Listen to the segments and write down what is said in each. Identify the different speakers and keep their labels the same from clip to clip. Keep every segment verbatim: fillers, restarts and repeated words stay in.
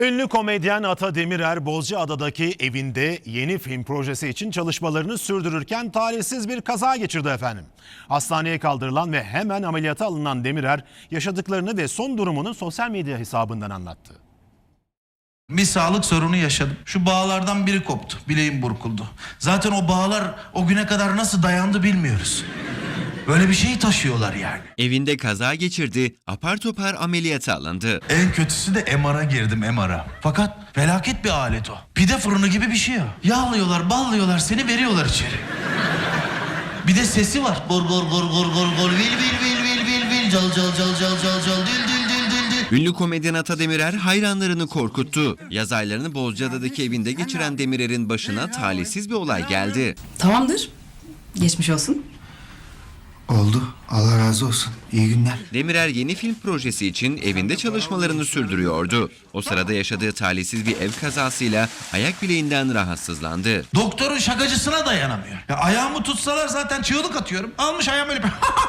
Speaker 1: Ünlü komedyen Ata Demirer, Bozcaada'daki evinde yeni film projesi için çalışmalarını sürdürürken talihsiz bir kaza geçirdi efendim. Hastaneye kaldırılan ve hemen ameliyata alınan Demirer, yaşadıklarını ve son durumunu sosyal medya hesabından anlattı.
Speaker 2: Bir sağlık sorunu yaşadım. Şu bağlardan biri koptu. Bileğim burkuldu. Zaten o bağlar o güne kadar nasıl dayandı bilmiyoruz. Böyle bir şeyi taşıyorlar yani.
Speaker 3: Evinde kaza geçirdi, apar topar ameliyata alındı.
Speaker 2: En kötüsü de M R'a girdim M R'a. Fakat felaket bir alet o. Pide fırını gibi bir şey o. Yağlıyorlar, ballıyorlar, seni veriyorlar içeri. Bir de sesi var. Gor gor gor gor gor gor vil vil vil vil vil vil cal cal cal cal cal cal dil dil dil dil dil.
Speaker 3: Ünlü komedyen Ata Demirer hayranlarını korkuttu. Yaz aylarını Bozcaada'daki evinde geçiren Demirer'in başına talihsiz bir olay geldi.
Speaker 4: Tamamdır. Geçmiş olsun.
Speaker 5: Oldu. Allah razı olsun. İyi günler.
Speaker 3: Demirer yeni film projesi için evinde çalışmalarını sürdürüyordu. O sırada yaşadığı talihsiz bir ev kazasıyla ayak bileğinden rahatsızlandı.
Speaker 2: Doktorun şakacısına dayanamıyor. Ya ayağımı tutsalar zaten çığlık atıyorum. Almış ayağım öyle bir...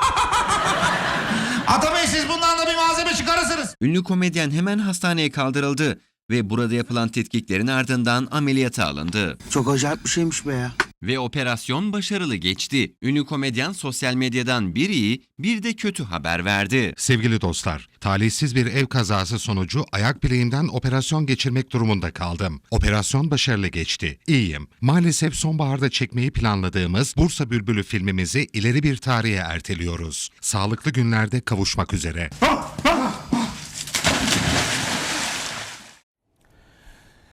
Speaker 2: Atabey, siz bundan da bir malzeme çıkarırsınız.
Speaker 3: Ünlü komedyen hemen hastaneye kaldırıldı ve burada yapılan tetkiklerin ardından ameliyata alındı.
Speaker 5: Çok acayip bir şeymiş be ya.
Speaker 3: Ve operasyon başarılı geçti. Ünlü komedyen sosyal medyadan bir iyi bir de kötü haber verdi.
Speaker 6: Sevgili dostlar, talihsiz bir ev kazası sonucu ayak bileğimden operasyon geçirmek durumunda kaldım. Operasyon başarılı geçti. İyiyim. Maalesef sonbaharda çekmeyi planladığımız Bursa Bülbülü filmimizi ileri bir tarihe erteliyoruz. Sağlıklı günlerde kavuşmak üzere.